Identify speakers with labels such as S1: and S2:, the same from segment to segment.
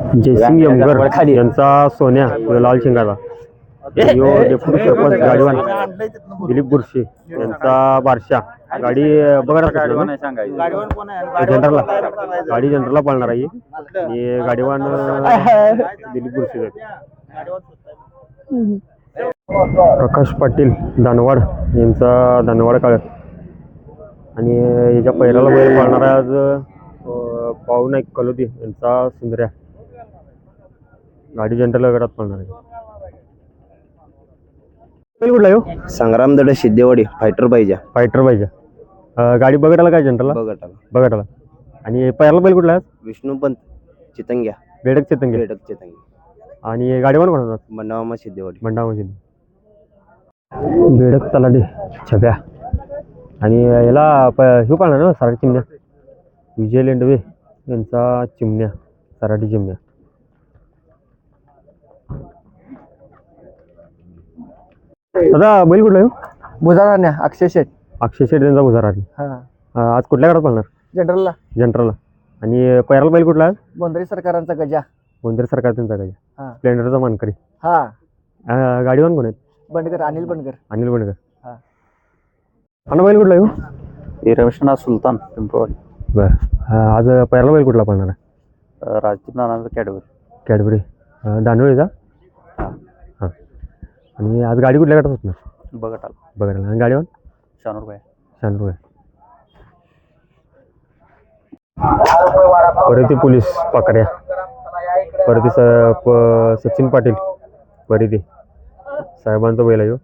S1: जयसिंग यमगर यांचा सोन्या लाल शिंगाचा डेप्युटी सरपंच गाडीवान दिलीप बुरशी यांचा बारशा गाडी बघा जनरलला गाडी जनरलला पळणार आहे आणि गाडीवान दिलीप बुरशी प्रकाश पाटील दानवाड यांचा दानवाड काळ आणि याच्या पहिल्याला बैल पळणार आहे आज पाहुनाईक कलोदी यांचा सुंदर्या गाडी जनरल गटात पळणार आहे. कुठला येऊ
S2: संग्राम दडे सिद्धेवाडी फायटर पाहिजे
S1: गाडी बघटाला काय जनरलला बघटाला आणि पहिला बैल कुठला आहे
S2: विष्णुपंत चितंग्या
S1: बेडक चितंगे आणि गाडीवर कोण
S2: मंडामा सिद्धेवाडी
S1: बेडक तलाडी छब्या आणि याला हे पाळणार ना सराटी चिमण्या विजय लेंडवे यांचा चिमण्या सराटी चिमण्या दादा बैल कुठला येऊ
S3: बुजारा अक्षय शेठ
S1: त्यांचा बुजारा आज कुठल्या गाडात पळणार जनरलला आणि पहिला बैल कुठला आहे
S3: बोंद्री सरकारांचा गजा
S1: गोंधळ सरकार त्यांचा गजा स्प्लेंडरचा मानकरी गाडीवर कोण आहेत
S3: बंडकर अनिल बंडकर
S1: आणि बैल कुठला येऊ
S2: रमेशनाथ सुलतान पिंपळवाडी
S1: बरं आज पहिला बैल कुठला पळणार आहे
S2: राजदीप नानांचा
S1: कॅडबरी दानोळीचा हां आणि आज गाडी कुठल्या गाठात होणार बघायला आणि गाडीवर शानूर परती पोलीस पाकड्या परती सचिन पाटील परती साहेबांचा बैल आहे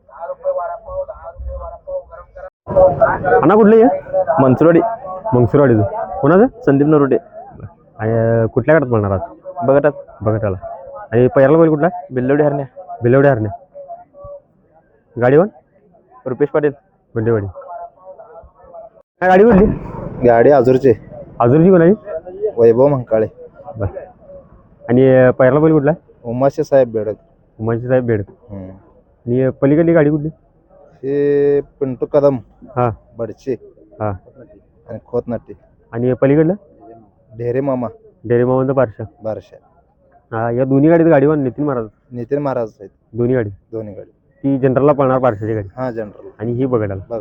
S1: अण्णा कुठली आहे मंगसुरवाडी कोणाचं
S2: संदीप नरोडे
S1: आणि कुठल्या गाठात पळणार आज बघटाला आणि पहिला बैल कुठला
S2: बिल्लवडी
S1: हरण्या गाडीवर
S2: रुपेश पाटील
S1: गुंडेवाडी काय गाडी कुठली
S2: गाडी आजूरची
S1: कोणाची
S2: वैभव मंकाळे
S1: आणि पहिला बैल कुठला
S2: उमाशे साहेब बेडक
S1: आणि पलीकडली गाडी कुठली
S2: हे पिंटू कदम बडचे
S1: आणि
S2: खोतनाट्टी
S1: आणि पलीकडलं
S2: ढेरे
S1: मामांचा बारशा या दोन्ही गाडीत गाडीवर नितीन महाराज
S2: आहेत
S1: दोन्ही गाडी ती जनरलला पळणार बारशाची गाडी
S2: जनरल
S1: आणि ही बघायला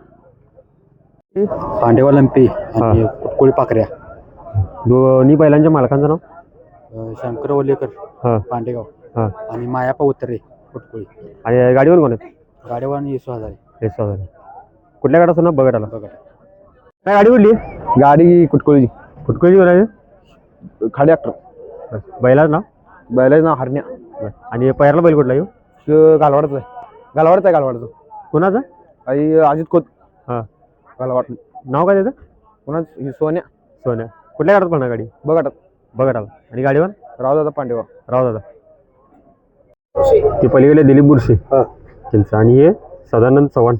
S2: पांडेवाल एमपी आणि कोळी पाकऱ्या
S1: दोन्ही बैलांच्या मालकांचं नाव
S2: शंकर ओलेकर पांडेगाव आणि मायापा उतरे कुटकुळी
S1: आणि गाडीवर कोण आहेत
S2: गाडीवान येसू हजारे
S1: कुठल्या गाडा ना बघायला काय गाडी कुठली
S2: गाडी कुटकुळी
S1: कोणाची
S2: खाडी ॲक्टर
S1: बैलाच नाव
S2: हरण्या
S1: आणि पहिला बैल कुठला येऊ
S2: गालवाडचं
S1: कोणाचा
S2: अजित खोत गालवाड
S1: नाव काय त्याचं
S2: कोणाच सोन्या
S1: कुठल्या गाडात पळणार गाडी बघायला आणि गाडीवर
S2: रावदादा पांडेवा
S1: ती पलीकडे दिलीप बुरशी त्यांचं आणि हे सदानंद चव्हाण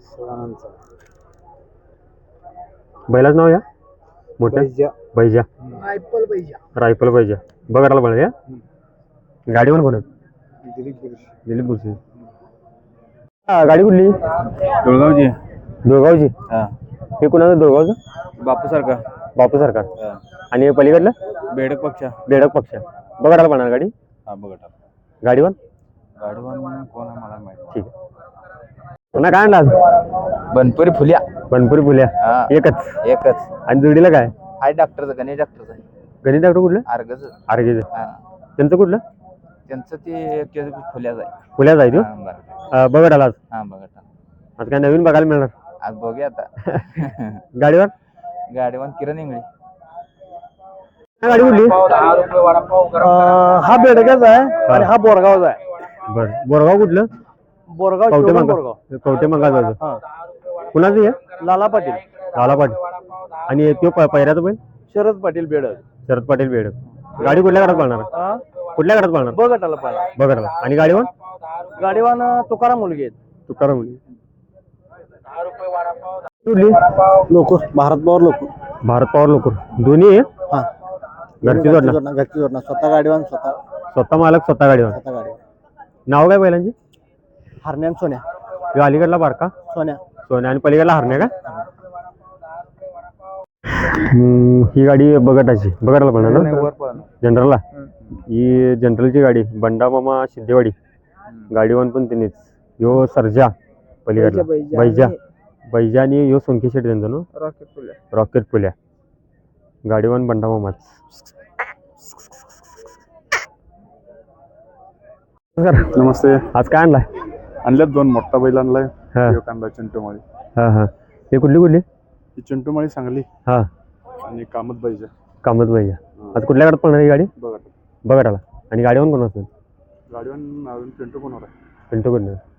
S1: बैलाच नाव या मोठ्या बैजा रायफल बैजा बघायला पळणार या गाडीवर कोण दिलीप बुरशी गाडी कुठली दुळगावची हे कुणाचं दुळगावचं बापू सरकार आणि पलीकडलं
S2: बेडक
S1: पक्ष बघायला पळणार गाडी गाडीवर
S2: कोण आहे मला माहिती
S1: ठीक आहे पुन्हा काय आणला
S2: बनपुरी
S1: फुल्या एकच आणि जोडीला काय
S2: आहे डॉक्टरचं गणेश
S1: डॉक्टर कुठलं आर्गेचं त्यांचं कुठलं
S2: त्यांचं ते
S1: फुल्या जाय तो बघत आला आज काय नवीन बघायला मिळणार
S2: आज बघूया आता
S1: गाडीवर
S2: किरण इंगळे
S1: गाडी कुठली
S3: हा बेडगाचा आहे आणि हा बोरगावचा आहे
S1: बरं बोरगाव कुठलं कवटे मंगाचं कुणाचं आहे
S3: लाला पाटील
S1: आणि तो पहिऱ्याचं बैल
S3: शरद पाटील बेडक
S1: गाडी कुठल्या गाडात पळणार बघटाला आणि गाडीवर
S3: तुकाराम मुलगी
S1: कुठली
S3: लोकर
S1: भारत पॉवर लोकर दोन्ही आहे घरची जोडणं
S3: स्वतः गाडीवान
S1: स्वतः मालक स्वतः गाडीवर नाव काय बैलांची
S3: हरण्यान सोन्या
S1: अलीकडला बारका सोन्या आणि पलीकडला हरण्या का ही गाडी बघटायची बघटायला पळणार ना जनरलला ही जनरलची गाडी बंडा मामा सिद्धेवाडी गाडीवान पण त्यांनीच ह्यो सर्जा पलीकडला बैजा आणि ह्यो सोनकी शेट त्यांचा ना रॉकेट पुल्या गाडीवान बंडा मामाच.
S4: नमस्ते.
S1: आज काय आणलाय?
S4: आणल्यात 2 मोठा बैल आणलाय.
S1: हा.
S4: एक आणलाय चिंटूमाळी.
S1: हा हा हे कुठली
S4: ही चिंटूमाळी सांगली
S1: हा
S4: आणि कामत बैजा.
S1: कामत बैजा. आज कुठल्या गाडीत पळणार ही गाडी?
S4: बघा
S1: बघा आणि गाडीवान कोण असणार?
S4: गाडीवर अजून चिंटू कोणावर आहे?
S1: पिंटू कडनं.